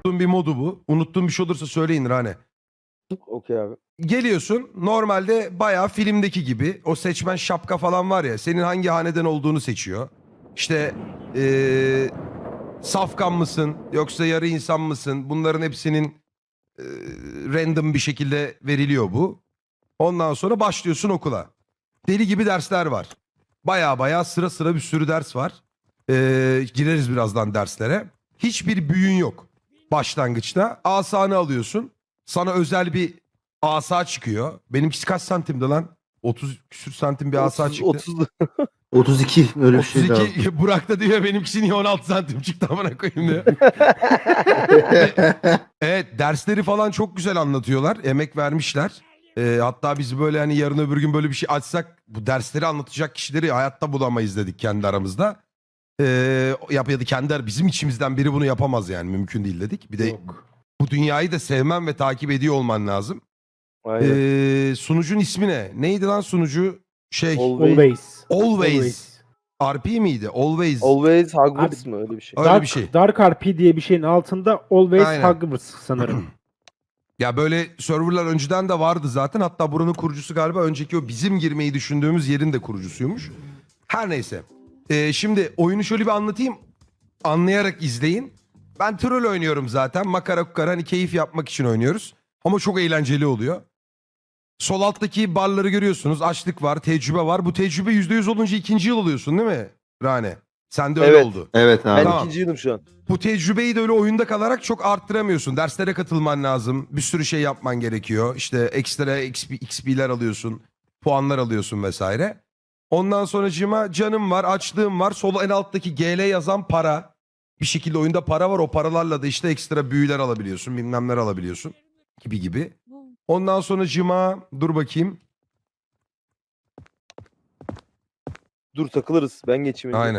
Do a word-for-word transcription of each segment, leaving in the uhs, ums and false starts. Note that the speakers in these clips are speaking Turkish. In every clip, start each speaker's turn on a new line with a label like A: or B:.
A: Unuttuğum bir modu bu. Unuttuğum bir şey olursa söyleyin Rane.
B: Okey abi.
A: Geliyorsun normalde bayağı filmdeki gibi o seçmen şapka falan var ya senin hangi haneden olduğunu seçiyor. İşte ee, safkan mısın yoksa yarı insan mısın bunların hepsinin ee, random bir şekilde veriliyor bu. Ondan sonra başlıyorsun okula. Deli gibi dersler var. Baya baya sıra sıra bir sürü ders var. Ee, gireriz birazdan derslere. Hiçbir büyün yok başlangıçta. Asanı alıyorsun. Sana özel bir asa çıkıyor. Benimkisi kaç santimdi lan? otuz küsür santim bir asa çıktı.
B: otuz
C: otuz iki öyle bir şey lazım.
A: otuz iki Burak da diyor benimkisi niye on altı santim çıktı amına koyayım diyor. Evet dersleri falan çok güzel anlatıyorlar. Emek vermişler. Ee, hatta biz böyle hani yarın öbür gün böyle bir şey açsak bu dersleri anlatacak kişileri hayatta bulamayız dedik kendi aramızda. Ee, yap ya da kendi bizim içimizden biri bunu yapamaz yani mümkün değil dedik. Bir de
C: Yok.
A: bu dünyayı da sevmen ve takip ediyor olman lazım.
B: Aynen.
A: Ee, sunucun ismi ne? Neydi lan sunucu? Şey
B: Always.
A: Always.
D: Always.
A: R P miydi? Always.
B: Always Hogwarts mı öyle bir şey?
A: Öyle
D: Dark,
A: bir şey.
D: Dark R P diye bir şeyin altında Always
A: Aynen.
D: Hogwarts sanırım.
A: Ya böyle serverlar önceden de vardı zaten. Hatta buranın kurucusu galiba önceki o bizim girmeyi düşündüğümüz yerin de kurucusuymuş. Her neyse. Ee, şimdi oyunu şöyle bir anlatayım. Anlayarak izleyin. Ben troll oynuyorum zaten. Makara kukara hani keyif yapmak için oynuyoruz. Ama çok eğlenceli oluyor. Sol alttaki barları görüyorsunuz. Açlık var, tecrübe var. Bu tecrübe yüzde yüz olunca ikinci yıl oluyorsun değil mi Rane? Sen de öyle
B: Evet.
A: oldu.
C: Evet abi.
B: Ben
A: Tamam.
B: ikinci yılım şu an.
A: Bu tecrübeyi de öyle oyunda kalarak çok arttıramıyorsun. Derslere katılman lazım. Bir sürü şey yapman gerekiyor. İşte ekstra X P, X P'ler alıyorsun. Puanlar alıyorsun vesaire. Ondan sonracığıma canım var, açlığım var. Sol en alttaki G L yazan para. Bir şekilde oyunda para var. O paralarla da işte ekstra büyüler alabiliyorsun. Bilmemler alabiliyorsun. Gibi gibi. Ondan sonracığıma dur bakayım.
B: Dur takılırız. Ben geçeyim. önce.
A: Aynen.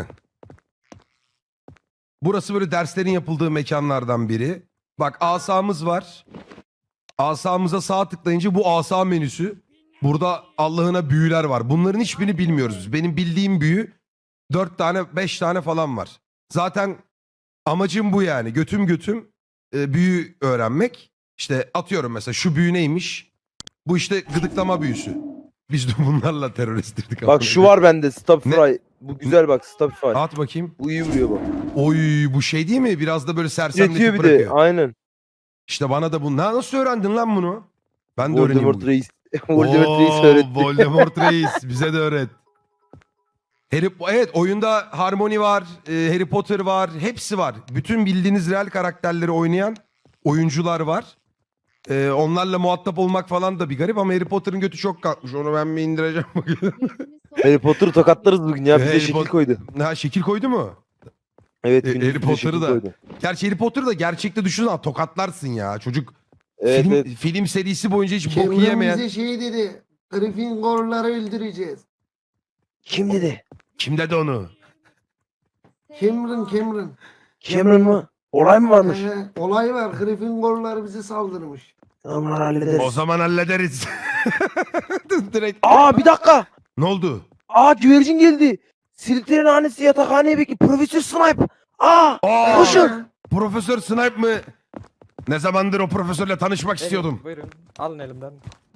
A: Burası böyle derslerin yapıldığı mekanlardan biri. Bak asamız var. Asamıza sağ tıklayınca bu asa menüsü. Burada Allah'ına büyüler var. Bunların hiçbirini bilmiyoruz. Benim bildiğim büyü dört tane beş tane falan var. Zaten amacım bu yani. Götüm götüm e, büyü öğrenmek. İşte atıyorum mesela şu büyü neymiş? Bu işte gıdıklama büyüsü. Biz de bunlarla teröristtirdik.
B: Bak şu var bende. Stopify. Bu güzel bak Stopify.
A: At bakayım.
B: Bu iyi vuruyor bak.
A: Oy bu şey değil mi? Biraz da böyle
B: Üretiyor
A: sersemletip
B: bir de.
A: bırakıyor.
B: Aynen.
A: İşte bana da bu. Na- Nasıl öğrendin lan bunu? Ben de öğreneyim.
B: Voldemort
A: bugün.
B: Reis. Voldemort Reis
A: Oo,
B: öğretti.
A: Voldemort Reis. Bize de öğret. Harry, evet oyunda Harmony var. e, Harry Potter var. Hepsi var. Bütün bildiğiniz real karakterleri oynayan oyuncular var. E, onlarla muhatap olmak falan da bir garip ama Harry Potter'ın götü çok kalkmış. Onu ben mi indireceğim bugün?
B: Harry Potter'ı tokatlarız bugün ya. Bize
A: Harry
B: şekil
A: Potter-
B: koydu.
A: ha şekil koydu mu?
B: Evet.
A: E,
B: gündüz
A: Harry
B: bize
A: Potter'ı
B: şekil
A: da.
B: koydu.
A: Gerçi Harry Potter'ı da gerçekte düşünsene tokatlarsın ya. Çocuk
B: Evet,
A: film,
B: evet.
A: film serisi boyunca hiç bok
E: Cameron
A: yiyemeyen.
E: bize şey dedi. Gryffindor'ları öldüreceğiz.
B: Kim dedi?
A: Kim dedi onu?
E: Cameron, Cameron.
B: Cameron mı? Olay mı varmış?
E: Ee, olay var. Gryffindor'lar bize saldırmış.
B: Tamam hallederiz.
A: O zaman hallederiz. Direkt.
B: Aa bir dakika.
A: Ne oldu?
B: Aa güvercin geldi. Slytherin hanesi yatakhaneye bekliyor. Profesör Snipe. Aa.
A: Aa,
B: Koşun.
A: Profesör Snipe mı? Ne zamandır o profesörle tanışmak istiyordum.
F: Buyurun. Alın elimden.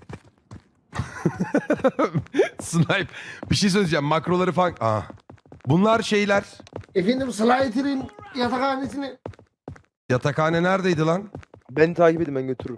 A: Snipe. Bir şey söyleyeceğim. Makroları falan. Aa. Bunlar şeyler.
E: Efendim Slytherin yatakhanesine.
A: Yatakhane neredeydi lan?
B: Beni takip edin ben götürürüm.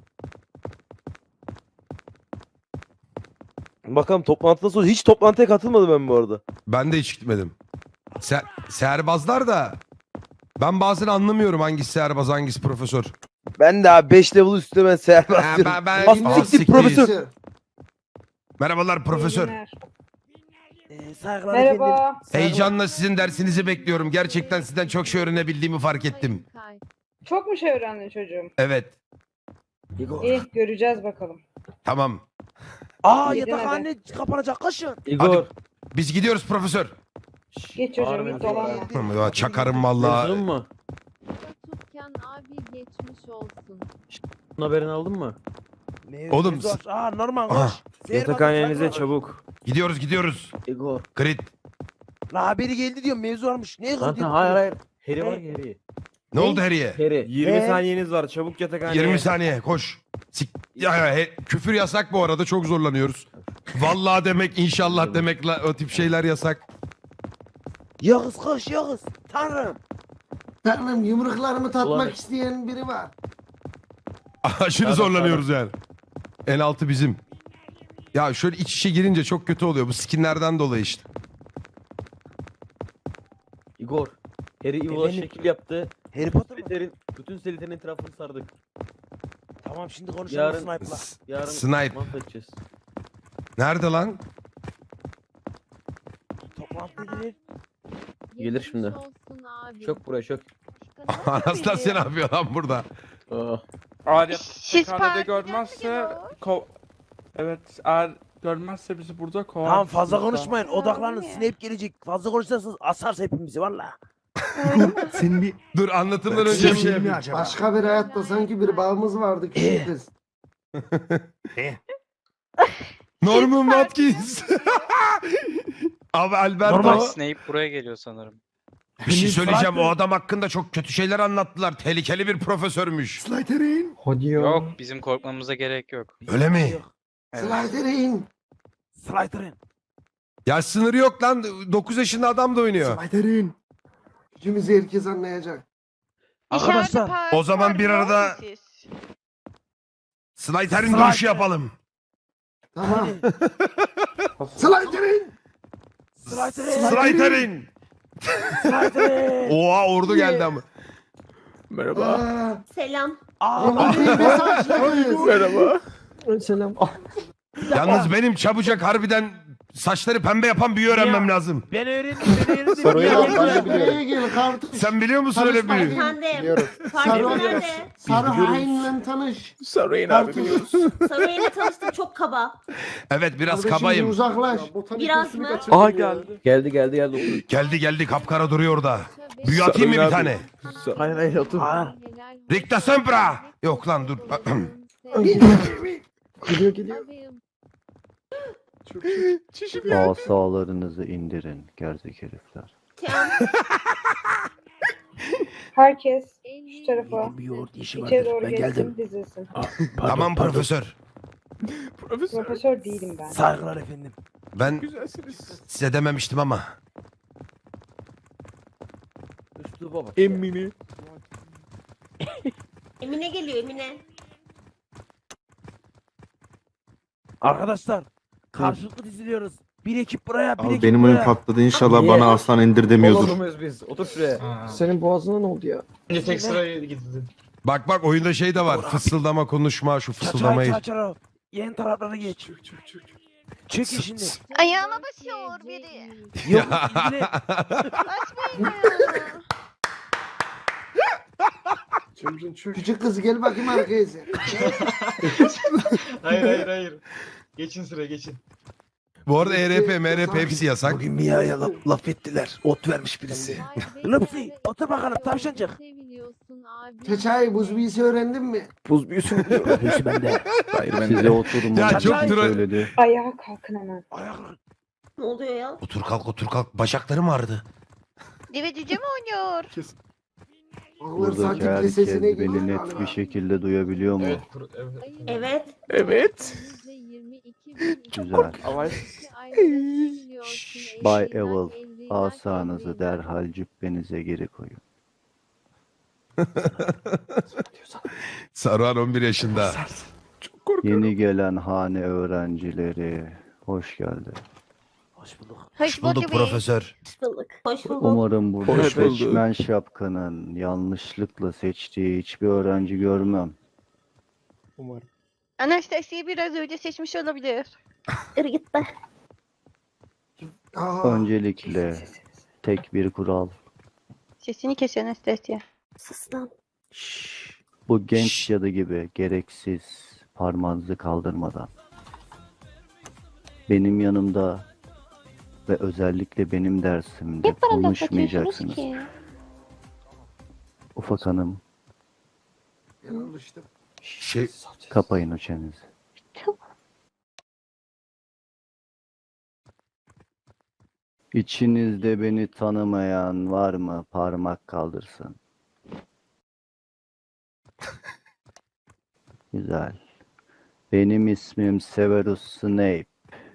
B: Bakalım toplantıdan sonra hiç toplantıya katılmadım ben bu arada.
A: Ben de hiç gitmedim. Ser, seherbazlar da ben bazen anlamıyorum hangisi seherbaz hangisi profesör.
B: Ben de abi beş level üstüne ben seher
A: Ha,
B: basıyorum.
A: ben, ben,
B: Bas
A: Aa,
B: siktir
A: siktir.
B: profesör.
A: Merhabalar profesör.
B: Ee, saygılar efendim.
G: Merhaba.
A: Heyecanla sizin dersinizi bekliyorum. Gerçekten sizden çok şey öğrenebildiğimi fark ettim.
G: Çok mu şey öğrendin çocuğum?
A: Evet.
G: İyi göreceğiz bakalım.
A: Tamam.
B: Aa
G: Yedin
B: yatakhane kapanacak kaçın.
A: Hadi. Biz gidiyoruz profesör.
G: Geç çocuğum git dolanma.
A: Ya çakarım vallahi.
H: mu?
I: Tutken abi geçmiş olsun.
H: Bunun haberini aldın mı?
A: Oğlum,
B: Aa normal
A: Aha.
B: koş. Seher
H: Yatakhanenize
B: basın, saygılar.
H: çabuk.
A: Gidiyoruz gidiyoruz.
H: Igor.
A: Crit.
B: La haberi geldi diyor mevzu varmış. Ne
H: Lan
B: diyor?
H: hayır hayır. Harry var ya Harry.
A: Ne oldu Harry'e?
H: Harry.
B: yirmi
F: saniyeniz var. Çabuk yatakhaneye.
A: yirmi saniye koş. Sik ya, ya he- küfür yasak bu arada, çok zorlanıyoruz. Vallahi demek, inşallah demek, la- o tip şeyler yasak.
B: Yağız koş Yağız. Tanrım.
E: Tanrım, yumruklarımı tatmak
H: Ulan-
E: isteyen biri var.
A: Aşırı
H: Sağda,
A: zorlanıyoruz yani. En altı bizim. Ya şöyle iç içe girince çok kötü oluyor. Bu skinlerden dolayı işte.
H: Igor. Harry Evil'a
B: Efendim?
H: şekil yaptı.
B: Harry Potter mı?
H: Slither'in, bütün Slytherin'in etrafını sardık.
B: Tamam şimdi konuşalım
H: Yarın-
B: Snipe'la.
A: S-
H: Yarın
A: Snipe.
H: mahvedeceğiz.
A: Nerede lan?
B: Toplantı gelir.
H: Gelir şimdi.
I: Geçmiş olsun abi.
H: Çök buraya çök.
A: Anastasya ne yapıyor lan burada?
H: Oh.
F: Eğer
J: Siz
F: yatakhane
J: partiden
F: görmezse
J: mi
F: kov... Evet, eğer görmezse bizi burada kovar.
B: Tamam fazla
F: Burada.
B: konuşmayın. Odaklanın. Snap gelecek. Fazla konuşursanız asarsa hepimizi valla.
C: Senin bir
A: Dur, anlatımdan önce bir şey
C: şey mi
A: yapayım.
C: acaba?
E: Başka bir hayatta sanki bir bağımız vardı küçük
B: Eh.
E: kız.
A: Norman Watkins. Abi Alberto.
B: Normal.
K: Snape buraya geliyor sanırım.
A: Bir şey söyleyeceğim. O adam hakkında çok kötü şeyler anlattılar. Tehlikeli bir profesörmüş.
C: Slytherin.
F: Hadi ya.
K: Yok, bizim korkmamıza gerek yok.
A: Öyle mi?
E: Slytherin.
B: Slytherin.
A: Ya sınırı yok lan. dokuz yaşında adam da oynuyor.
C: Slytherin.
E: Gücümüzü herkes anlayacak.
B: Arkadaşlar,
A: o zaman bir arada- Slytherin
B: Slytherin.
A: dövüşü yapalım.
E: Tamam. Slytherin.
B: Slytherin.
A: Slytherin.
B: Slytherin.
A: Oha, ordu geldi ama.
F: Merhaba.
E: Aa,
J: Selam.
B: Aa,
E: Roman bir mesajlarız.
F: Merhaba.
H: Selam.
A: Yalnız benim çabucak harbiden saçları pembe yapan büyü öğrenmem lazım.
B: ben öğrendim. Ben öğrendim.
F: Sarı
B: Ya,
F: yelek,
B: ya,
F: ben de
B: ya.
E: Buraya gel kardeş.
A: Sen biliyor musun öyle büyü?
J: Efendim.
E: Sarı,
J: Parti nerede?
E: sarı hainle tanış.
F: Sarayın abi
E: Kardeş.
F: biliyoruz.
J: Sarıyla tanıştım, çok kaba.
A: Evet, biraz
E: Kardeşim,
A: kabayım.
E: uzaklaş.
J: Biraz mı?
F: Aha geldi.
H: Geldi geldi geldi. Otur.
A: Geldi geldi, kapkara duruyor orada. Büyü atayım mı bir
F: Sarı
A: tane?
F: Hayır hayır otur.
B: Aa,
A: Ricta Sempra. Yok lan, dur.
I: Gidiyor gidiyor.
C: Asalarınızı indirin gerzek herifler.
J: Tamam.
G: Herkes şu tarafa.
B: Benim bir yoğurt işi
G: İçeri
B: vardır.
G: doğru
B: Ben
G: geçsin,
B: geldim.
G: dizilsin.
B: Aa, pardon,
A: Tamam
B: pardon.
A: profesör.
F: Profesör.
G: Profesör değilim ben.
B: Saygılar efendim.
A: Ben
F: Güzelsiniz.
A: size dememiştim ama.
H: Üsluba bak.
F: Emmini.
J: Emine geliyor, Emine.
B: Arkadaşlar karşılıklı diziliyoruz. Bir ekip buraya, bir
C: Abi
B: ekip
C: benim
B: buraya.
C: oyun patladı. İnşallah
H: Niye?
C: bana aslan indir demiyordur.
H: Olur muyuz biz? Otur şuraya.
F: Senin boğazına ne oldu ya?
B: Önce tek sıraya
F: gidildi.
A: Bak bak, oyunda şey de var. Fısıldama, konuşma, şu
B: Çaçara
A: fısıldamayı.
B: çaçara. Yeni taraflara geç.
F: Çık çık çık.
B: Çek şimdi.
J: Ayağıma basıyor biri.
B: Yok ilgili.
F: Cemcin çık.
E: Küçük kız gel bakayım arkaya sen.
F: Hayır hayır hayır. Geçin sıraya geçin.
A: Bu arada E R P, M R P hepsi yasak.
B: Bugün Mia'ya laf, laf ettiler. Ot vermiş birisi. Lüpsi, otur bakalım, tavşancık.
E: Çeçay, buz büyüsü öğrendin mi?
F: Buz büyüsü mü?
B: Hepsi bende.
F: Hayır ben
C: Size
F: de.
C: oturun.
A: Ya çok
C: kim
A: troll.
C: söyledi.
G: Ayağa kalkın hemen.
B: Ayaklar.
J: Ne oluyor ya?
A: Otur kalk, otur kalk. Bacaklarım ağrıdı.
J: Deve cüce mi oynuyor?
E: Onlar
C: Buradaki
E: sakin
C: herkes
E: sesine
C: beni
E: geliyor
C: net
E: galiba.
C: bir şekilde duyabiliyor mu?
J: Evet.
F: Evet.
C: Güzel.
F: Ama
C: Bay Evil, asanızı derhal cübbenize geri koyun.
A: Saruhan on bir yaşında.
F: çok korkuyorum.
C: Yeni gelen hane öğrencileri, hoş geldi.
B: Hoş bulduk.
A: Hoş bulduk profesör.
J: Hoş bulduk. Hoş bulduk.
C: Umarım burada
F: Hoş bulduk.
C: seçmen şapkanın yanlışlıkla seçtiği hiçbir öğrenci görmem.
F: Umarım.
J: Anastasia'yı biraz önce seçmiş olabilir. Yürü git be.
E: Aa,
C: Öncelikle tek bir kural.
J: Sesini kes Anastasia. Sus lan.
B: Şşş.
C: Bu genç
A: Şşş.
C: cadı gibi gereksiz parmağınızı kaldırmadan. Benim yanımda ve özellikle benim dersimde
J: Hep bana laf
C: konuşmayacaksınız.
J: atıyorsunuz ki.
C: Ufak hanım,
E: ben alıştım.
A: Şey,
C: kapayın o çenenizi. İçinizde beni tanımayan var mı? Parmak kaldırsın. Güzel. Benim ismim Severus Snape.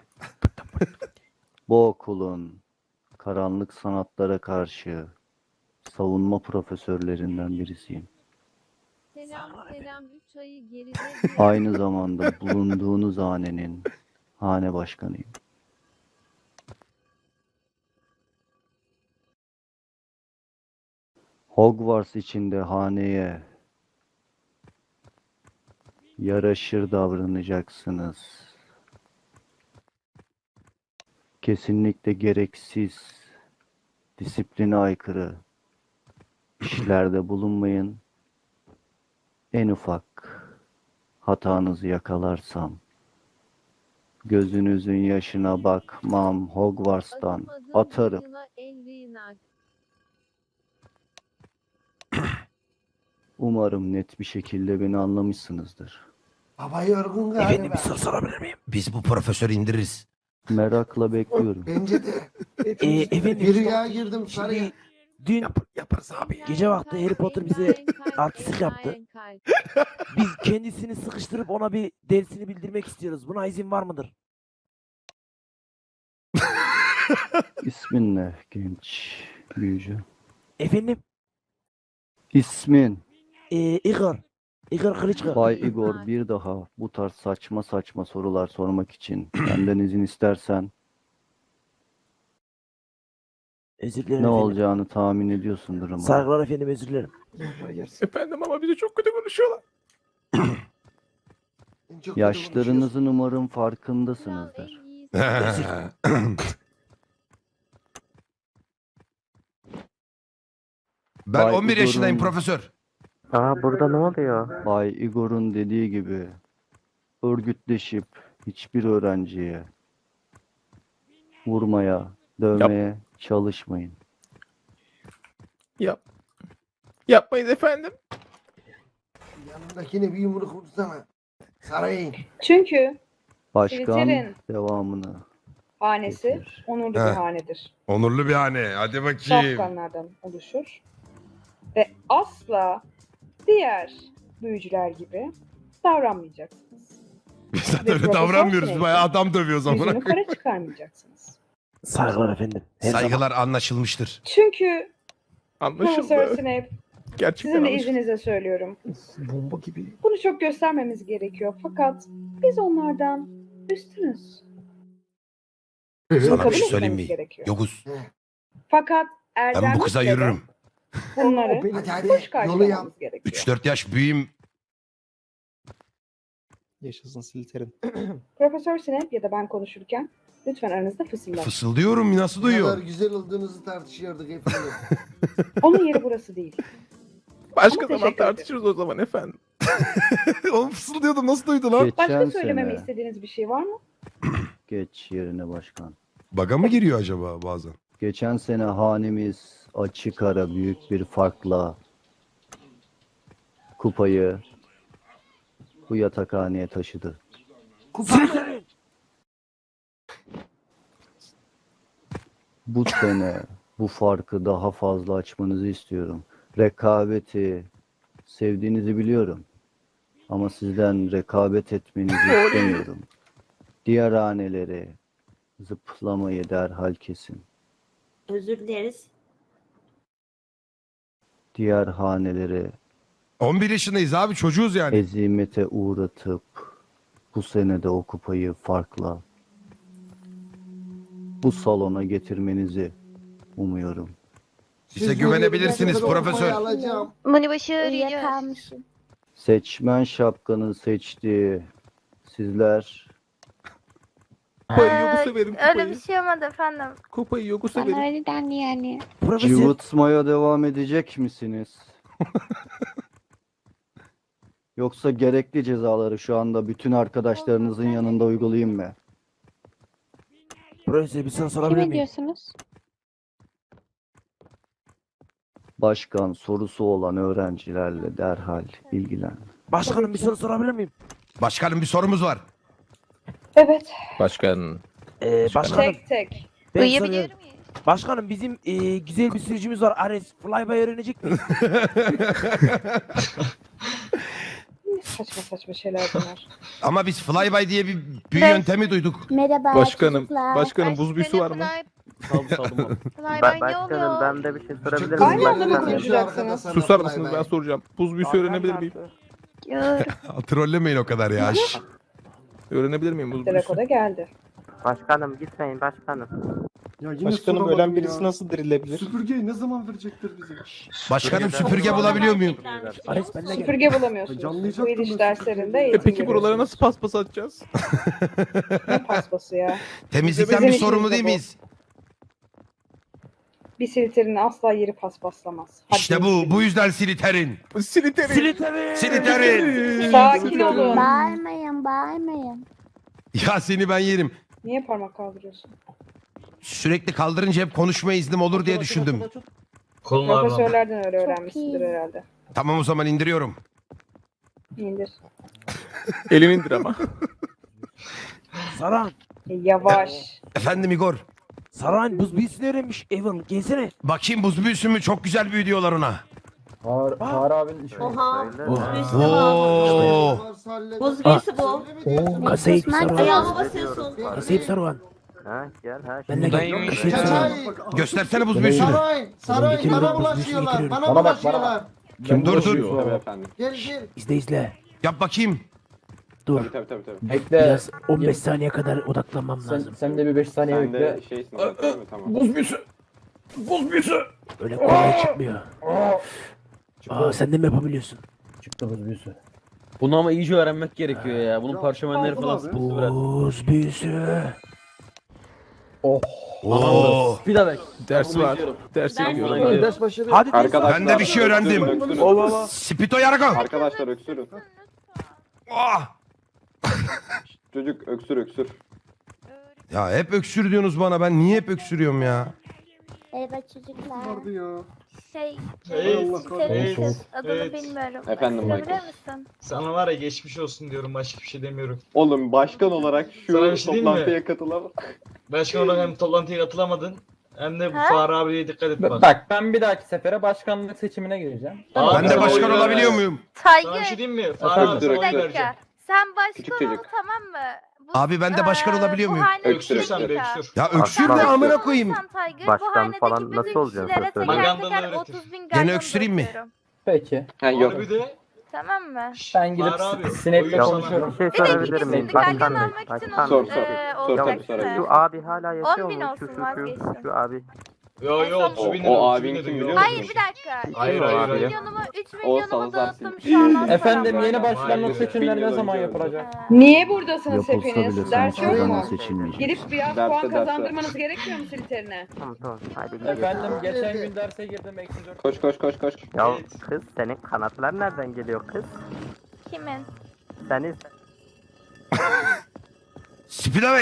C: Bu okulun karanlık sanatlara karşı savunma profesörlerinden birisiyim.
I: Selam selam üç ayı geride
C: Aynı zamanda bulunduğunuz hanenin hane başkanıyım. Hogwarts içinde haneye yaraşır davranacaksınız. Kesinlikle gereksiz, disipline aykırı işlerde bulunmayın. En ufak hatanızı yakalarsam gözünüzün yaşına bakmam, Hogwarts'tan
I: Adım adım
C: atarım.
I: Angela Elrina.
C: Umarım net bir şekilde beni anlamışsınızdır.
E: Baba yorgun galiba.
B: Efendim bir soru sorabilir miyim?
A: Biz bu profesörü indiririz.
C: Merakla bekliyorum.
E: Bence de.
B: Ee, efendim
E: Bir rüya girdim sarıya.
B: şimdi dün
A: Yap, yaparız abi.
B: Gece vakti Harry Potter bize artistlik yaptı. biz kendisini sıkıştırıp ona bir dersini bildirmek istiyoruz. Buna izin var mıdır?
C: İsmin ne genç büyücü?
B: Efendim?
C: İsmin
B: Ee, Igor. Igor Kılıçkı.
C: Bay Igor, bir daha bu tarz saçma saçma sorular sormak için benden izin istersen
B: Özür dilerim
C: ne
B: efendim.
C: olacağını tahmin ediyorsundur umarım.
B: Saygılar efendim, özür dilerim.
F: Efendim ama bize çok kötü konuşuyorlar.
E: Çok kötü
C: Yaşlarınızın umarım
I: Kral
C: farkındasınızdır.
I: en iyisi.
A: Ben
C: Bay
A: on bir yaşındayım
C: Igor'un-
A: profesör.
H: Aa burada ne oluyor?
C: Bay Igor'un dediği gibi örgütleşip hiçbir öğrenciye vurmaya, dövmeye çalışmayın.
F: Yap. Yapmayız efendim.
E: konuşuyoruz. Yanındakine bir yumruk vursana. Sarayın.
G: Çünkü
C: Başkan
G: Slytherin
C: devamını
G: hanesi
C: getirir.
G: onurlu bir
A: Heh.
G: hanedir.
A: Onurlu bir hane. Hadi bakayım.
G: Safkanlardan oluşur. Ve asla diğer büyücüler gibi davranmayacaksınız.
A: Biz zaten
G: Ve
A: öyle
G: profesör
A: davranmıyoruz.
G: Snape'in
A: Bayağı adam dövüyoruz
G: Yüzünü
A: amına koyayım.
G: kara çıkarmayacaksınız.
B: Saygılar efendim. Her zaman.
A: Saygılar anlaşılmıştır.
G: Çünkü Profesör
F: Anlaşıldı.
G: Snape,
F: Gerçekten
G: sizin de
F: anlaşıldı.
G: izninizle söylüyorum.
B: Bomba gibi.
G: Bunu çok göstermemiz gerekiyor. Fakat biz onlardan üstünüz. Bunu
A: Sana
G: kabul
A: bir şey söyleyeyim
G: etmemiz
A: mi?
G: gerekiyor.
A: Yokuz.
G: Fakat
A: Ben bu
G: erdemlikle
A: kıza
G: de
A: yürürüm.
G: bunları
E: Hadi
G: hoş
E: hadi yolu yap.
G: karşılamamız gerekiyor.
A: üç dört yaş büyüğüm.
H: Yaşasın Slytherin.
G: Profesör Snape ya da ben konuşurken lütfen aranızda fısıldayın.
A: Fısıldıyorum. Nasıl
E: Ne kadar
A: duyuyor?
E: güzel olduğunuzu tartışıyorduk efendim.
G: Onun yeri burası değil.
F: Başka
G: Ama
F: zaman
G: teşekkür ederim.
F: tartışırız o zaman efendim.
A: Oğlum fısıldıyordum. Nasıl duydu lan?
G: Başka
C: Geçen
G: söylememi
C: sene
G: istediğiniz bir şey var mı?
C: geç yerine başkan.
A: Baga mı giriyor acaba bazen?
C: Geçen sene hanemiz açık ara büyük bir farkla kupayı bu yatakhaneye taşıdı.
B: Slytherin!
C: Bu sene bu farkı daha fazla açmanızı istiyorum. Rekabeti sevdiğinizi biliyorum. Ama sizden rekabet etmenizi istemiyorum. Diğer haneleri zıplamayı derhal kesin.
J: Özür dileriz.
C: Diğer haneleri
A: on bir yaşındayız abi. Çocuğuz yani.
C: ezimete uğratıp bu sene de o kupayı farkla bu salona getirmenizi umuyorum.
A: Size
E: Siz
A: güvenebilirsiniz
E: yürüyün, ben
A: profesör.
E: kupayı alacağım.
J: Bunu başaracağız.
C: Seçmen şapkanın seçtiği sizler
F: Kupayı yoku severim kupayı.
J: Öyle bir şey olmadı efendim.
F: Kupayı yoku severim.
J: öyle dendi yani.
B: Profesör.
C: cıvıtmaya devam edecek misiniz? Yoksa gerekli cezaları şu anda bütün arkadaşlarınızın yanında uygulayayım mı?
B: Profesör bir soru sorabilir miyim?
J: diyorsunuz?
C: Başkan sorusu olan öğrencilerle derhal ilgilen.
B: Başkanım bir soru sorabilir miyim?
A: Başkanım bir sorumuz var.
G: Evet.
H: Başkan.
B: Ee, başkanım
G: Tek tek.
B: ben
J: Uyuyabiliyor
B: soruyorum.
J: muyuz?
B: Başkanım bizim e, güzel bir sürücümüz var. Ares. Flyby öğrenecek miyiz?
G: ne saçma saçma şeyler bunlar.
A: Ama biz flyby diye bir büyü
J: Ben-
A: yöntemi duyduk.
I: Merhaba
H: Başkanım,
I: çocuklar.
H: başkanım buz büyüsü var mı?
C: Saldım saldım.
J: Flyby ne oluyor?
C: Başkanım ben de bir şey sorabilir
G: Aynı
C: miyim?
G: anda mı
C: Başkanım?
G: konuşacaksınız?
H: Susar mısınız ben soracağım. Buz büyüsü öğrenebilir miyim?
J: Ya,
A: Trollemeyin o kadar ya. Şş.
H: Öğrenebilir miyim buz büyüsü?
G: Telekoda geldi.
C: Başkanım gitmeyin başkanım.
E: Ya yine
H: Başkanım
E: soramadım
H: ölen birisi
E: ya.
H: nasıl dirilebilir?
E: Süpürgeyi ne zaman verecektir bize?
A: Başkanım süpürge bulabiliyor muyum?
B: Ares benimle gel.
G: Süpürge bulamıyorsunuz.
E: Canlayacaktım
G: Bu iliş
E: ben
G: derslerinde
H: E
G: eğitim
H: peki buralara
G: görüyorsunuz.
H: nasıl paspas atacağız?
G: Ne paspası ya?
A: Temizlikten
G: Bizim
A: bir sorumlu
G: işimiz
A: değil
G: bu.
A: miyiz?
G: Bir siliterin asla yeri paspaslamaz. Hadi
A: İşte bu. Bu yüzden siliterin.
H: Siliteri.
B: Siliteri.
A: Siliterin.
G: Sakin olun.
I: Bağırmayın bağırmayın.
A: Ya seni ben yerim.
G: Niye parmak kaldırıyorsun?
A: Sürekli kaldırınca hep konuşma iznim olur diye düşündüm.
G: Profesörlerden öyle öğrenmişsindir herhalde.
A: Tamam o zaman indiriyorum.
G: İndir.
H: Elini indir ama.
B: Saran.
G: E, yavaş.
A: Efendim Igor.
B: Saran buz büyüsünü öğrenmiş. Evan gelsene.
A: Bakayım buz büyüsü mü? Çok güzel büyü diyorlar ona.
C: Har abinin işi.
I: Oha.
A: Oo.
G: Buz
B: büyüsü
G: bu.
B: Oo kasayıp
I: Susmak
B: Saruhan.
I: ayağıma
G: basıyorsun.
B: Kasayıp Saruhan.
C: Ha gel ha.
B: Benimle gel.
K: Dayım
B: Kasayıp
K: işte.
B: Saruhan.
A: Göstersene buz büyüsünü.
E: Saray, saray
B: getiriyorum,
E: bana
B: buz büyüsünü
E: bulaşıyorlar,
B: getiriyorum.
E: bana bulaşıyorlar.
A: Kim dur dur.
E: Gel gel.
B: İzle izle.
A: Yap bakayım.
B: Dur. Biraz on beş saniye kadar odaklanmam lazım.
C: Sen de bir beş saniye bekle.
B: Buz büyüsü. Buz büyüsü. Öyle kolay çıkmıyor. Aa sen de mi yapabiliyorsun?
C: Çıktı buz büyüsü. Bunu ama iyice öğrenmek gerekiyor ya. Bunun parşömenleri falan sıkıntısı biraz.
B: Buz büyüsü.
C: Oh.
A: Oo.
C: Bir daha bek.
H: Ders var. Ders
I: Ders
H: yapıyorum.
I: var.
H: Ders.
C: başladı.
B: Hadi
A: Ben de bir şey öğrendim. Spito yargo.
L: Arkadaşlar öksürün.
A: Ah!
L: Çocuk öksür öksür.
A: Ya hep öksür diyorsunuz bana. Ben niye hep öksürüyorum ya?
I: Merhaba çocuklar.
E: Vardı ya.
J: Şey,
E: Allah
J: siliterin
E: korusun.
J: adını bilmiyorum.
L: Efendim
J: Söyleyebilir
L: Michael.
J: misin?
F: Sana var ya geçmiş olsun diyorum, başka bir şey demiyorum.
L: Oğlum başkan olarak şu
F: Sana bir şey diyeyim mi?
L: toplantıya katılamam.
F: Başkan olarak hem toplantıya katılamadın hem de bu
J: Ha?
F: Fahri abiye dikkat et bak.
C: Bak ben bir dahaki sefere başkanlık seçimine gireceğim.
F: Abi,
A: Ben de
F: sana
A: başkan
F: oy
A: olabiliyor
F: vermez.
A: muyum?
F: Sana bir
J: Tiger,
F: şey diyeyim mi? Fahri
L: Efendim,
F: abi sana
J: bir
F: oy
L: direktör.
F: vereceğim.
J: dakika. Sen
L: Küçük
J: başkan ol
L: çocuk.
J: tamam mı? Bu,
A: Abi ben de başkan
J: eee,
A: olabiliyor
J: bu
A: muyum?
J: hanedeki
L: Öksür,
F: Öksür sen
J: bir
F: bir
J: dakika.
F: öksür.
A: Ya öksür
C: Aslan.
A: de
J: Başkan
A: amına koyayım.
J: olursan Tiger,
C: Başkan
J: bu hanedeki
C: falan
J: bütün
C: nasıl olacaksın
J: kişilere
C: sen?
J: teker
F: Magandalı
J: teker
F: öğretir.
J: otuz bin
A: Gene
J: galon
A: öksüreyim mi?
J: döküyorum.
C: Peki.
L: Ha yok.
F: Abi de
J: Tamam mı?
C: Ben gidip
F: Fahri abi,
C: sinekle
F: oyun sana.
C: konuşuyorum. Bir şey
J: Bir de
C: sorabilir
J: ikisi
C: miyim?
J: bir galon
C: Başkan Bey.
J: almak için
C: Başkan
L: Sor,
J: on,
L: sor.
J: eee,
L: Sor, tabii,
J: olacaksa.
L: sorabilirim.
C: Şu abi hala yaşıyor
J: on bin
C: mu?
J: olsun,
C: Şu şu şu
J: vazgeçtim.
C: şu abi.
F: Yo yo otuz
L: O-
F: bin
L: o
F: lira.
L: abin
F: otuz bin
L: kim
F: lira.
L: biliyor
J: Hayır
L: musun?
J: bir dakika.
F: Hayır,
J: üç
F: hayır, hayır.
J: milyonumu, üç
L: O
J: milyonumu
L: Salazar
J: dağıttım şu an. az
C: Efendim
J: param
C: yeni
J: var.
C: başkanlık
F: Maalesef.
C: seçimleri ne
L: Bin
C: zaman
L: yıl
C: yapılacak?
G: Niye buradasınız
C: Yapılsa
G: hepiniz?
C: bile
G: Ders
C: sonuçta
G: yok
C: bana
G: mu?
C: seçilmeyecek.
G: Gidip biraz
L: Derse,
G: puan
L: derse.
G: kazandırmanız gerekmiyor mu siliterine?
C: Tamam tamam hadi gidelim. Efendim geçen gün derse girdim eksi dört.
L: Koş koş koş koş.
C: Ya kız senin kanatlar nereden geliyor kız?
J: Kimin?
C: Senin
A: Spidavek.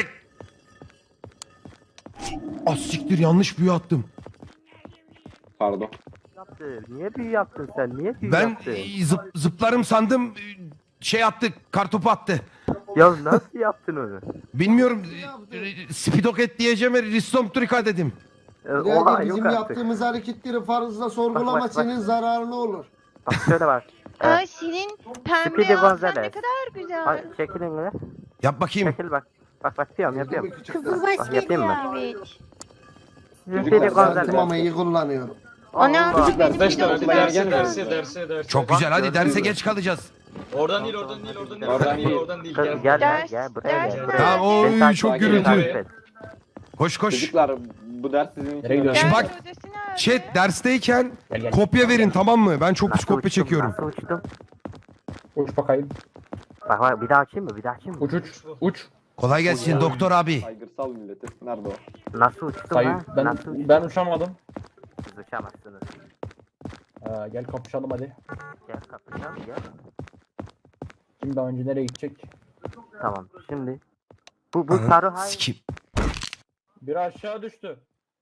A: Ah siktir yanlış büyü attım.
L: Pardon.
C: yaptı. Niye büyü yaptın sen? Niye büyü
A: Ben
C: yaptın?
A: e, zıp, zıplarım sandım. e, Şey attı. Kartopu attı.
C: Ya nasıl yaptın onu?
A: Bilmiyorum. e, e, Spidoket diyeceğim. Ristomtrika dedim.
C: Ee,
E: Birader
C: oha
E: bizim
C: yok artık.
E: yaptığımız hareketleri fazla sorgulama
C: Bak, bak, bak.
E: senin zararına olur.
C: Bak şöyle bak.
J: Aa senin
C: Speedy
J: pembe alsan ne
C: Gonzales.
J: kadar güzel.
C: Ay, çekilin mi?
A: Yap bakayım.
C: Çekil bak. Bak bak yapıyorum yapıyorum.
J: Kızılbaş
C: Bak yapayım mı?
J: Evet.
C: Speedy
L: Çocuklar,
C: Gonzales.
E: Saatimi ama iyi kullanıyorum.
J: Ana
C: Allah.
J: benim
F: Arkadaşlar hadi
J: videomu
F: derse
L: Gel,
F: derse
L: gel.
F: derse derse.
A: Çok güzel. Hadi derse geç kalacağız.
F: Oradan değil oradan değil oradan değil.
L: Oradan
F: Oradan değil
L: değil.
F: oradan değil.
C: Kız
F: Gel.
C: gel gel
J: Ders-
C: gel buraya
J: ders
C: gel.
J: nerede?
C: buraya.
A: Tamam
C: Beni
A: oy
C: takip
A: çok
C: et,
A: gürültü.
C: takip et.
A: Koş koş.
L: Çocuklar bu ders sizin için.
C: Nereye gidiyorsun?
L: önemli.
A: Bak,
J: hocası nerede?
A: Chat dersteyken
C: Gel, gel.
A: kopya verin tamam mı? Ben çok pis
C: Nasıl
A: kopya
C: uçtum,
A: çekiyorum.
C: Nasıl uçtum?
H: Uç bakayım.
C: Bak bak bir daha açayım mı? Bir daha açayım mı?
H: Uç uç. Uç.
A: Kolay gelsin doktor abi.
L: Saygırsal milleti. Nerede o?
C: Nasıl uçtum
H: Sayı.
C: ha?
H: Ben,
C: Nasıl uçtum?
H: ben uçamadım.
C: Siz uçamazsınız.
H: Ee, gel kapışalım hadi.
C: Gel kapışalım gel.
H: Kim daha önce nereye gidecek?
C: Tamam şimdi. Bu bu
A: Aha,
C: sarı hay.
A: sikim.
H: Biri aşağı düştü.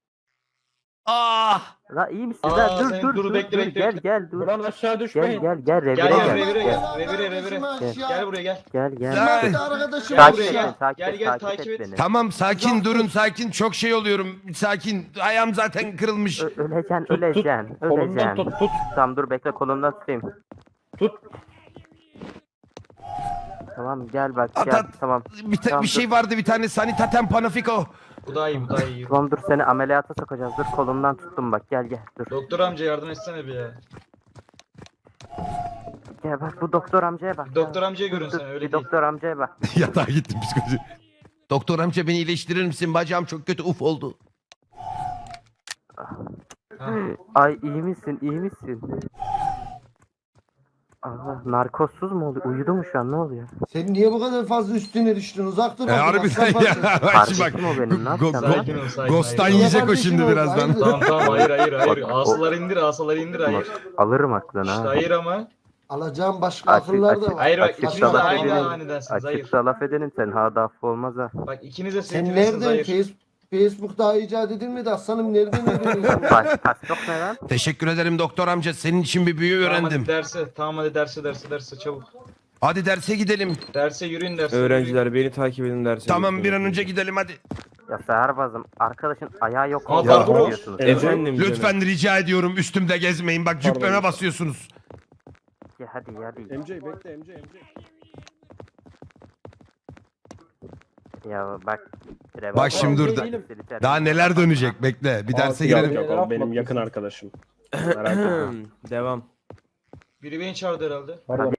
A: Ah!
C: La iyi misin?
F: Aa,
C: La dur
F: sen
C: dur
F: dur,
C: dur,
F: bekle,
C: dur.
F: bekle,
C: Gel
F: bekle.
C: gel dur.
H: Buradan aşağı
C: Gel
H: düşmeyin.
C: gel gel revire
F: Gel
C: gel.
F: gel revire
C: Gel
F: gel. Revire revire. Gel buraya gel.
C: gel gel.
A: Gel.
C: gel.
E: Arkadaşım
F: Gel
C: Takip
F: buraya
C: et,
F: gel.
C: beni, takip
F: Gel
C: et,
F: gel
C: takip
F: takip
C: et
F: et.
C: beni.
A: Tamam sakin durun sakin. Çok şey oluyorum. Sakin. Ayağım zaten kırılmış.
C: Ö- Öleceksin
H: Tut, tut.
C: öleceksin.
H: Kolumdan
C: Öleceksin.
H: tut tut.
C: Tamam dur bekle kolumdan tutayım.
H: Tut.
B: Tamam gel bak
A: At,
B: gel
A: at.
B: tamam.
A: Bir, ta-
B: Tamam,
A: bir şey vardı bir tane sanitaten panafiko.
F: Bu daha iyi, bu daha iyi.
B: Tamam dur seni ameliyata sokacağız. Dur kolumdan tuttum bak gel gel dur.
F: Doktor amca yardım etsene bir ya.
B: Gel bak bu doktor amcaya bak.
F: Doktor
B: Gel.
F: amcaya görün
B: Dur,
F: sen,
B: dur,
F: öyle
B: bir
F: değil.
B: doktor amcaya bak.
A: Yatağa gittim psikoloji. Doktor amca beni iyileştirir misin? Bacağım çok kötü uf oldu.
B: Ay iyi misin iyi misin? Allah narkozsuz mu oluyor? Uyudu mu şu an ne oluyor?
E: Sen niye bu kadar fazla üstüne düştün? Uzak dur.
A: E, harbiden ya. Bak şimdi bak.
B: Kardeşim o benim ne
A: Go-
B: yapacağım?
A: go-
F: Sakin ol, sakin.
A: Ghost'tan
F: hayır.
A: yiyecek o
E: Kardeşim
A: şimdi
E: o,
A: birazdan.
E: hayır.
F: Tamam tamam, hayır hayır hayır.
B: Bak, o-
F: Asaları indir, asaları indir, hayır.
B: Alırım aklını
F: İşte
B: ha.
F: hayır ama.
E: Alacağım başka
B: Açık-
E: akıllar da
B: açık-
E: var.
F: Hayır bak,
B: Açık
F: ikiniz de
B: salak
F: aynı
B: edenin-
F: hanedensiniz, hayır.
B: Açıkta laf edenin sen ha da affı olmaz ha.
F: Bak ikiniz de
E: Sen
F: sevgilisiniz,
E: nereden?
F: hayır.
E: Face, Facebook daha icat edilmedi aslanım. Nereden öğreniyorsun?
B: Baş pastok ne lan?
A: Teşekkür ederim doktor amca. Senin için bir büyü
F: Tamam
A: öğrendim.
F: hadi derse, tamam hadi derse, derse, derse çabuk.
A: Hadi derse gidelim.
F: Derse yürüyün, derse.
M: Öğrenciler beni takip edin derse.
A: Tamam bir an önce gidelim hadi.
B: Ya Seherbazım arkadaşın ayağı yok
F: Ama
B: oldu.
F: pardon.
B: Ne diyorsunuz?
M: Efendim canım.
A: Lütfen rica ediyorum üstümde gezmeyin. Bak cübbeme
M: Pardon.
A: basıyorsunuz.
B: Ya hadi hadi.
M: M J bekle M J M J.
B: Ya bak.
A: Bak şimdi dur da- Daha neler dönecek bekle. Bir derse
M: Yok,
A: girelim.
M: yok, o benim yakın arkadaşım. Merak etme. Devam.
F: Biri beni çağırdı herhalde.
H: Pardon.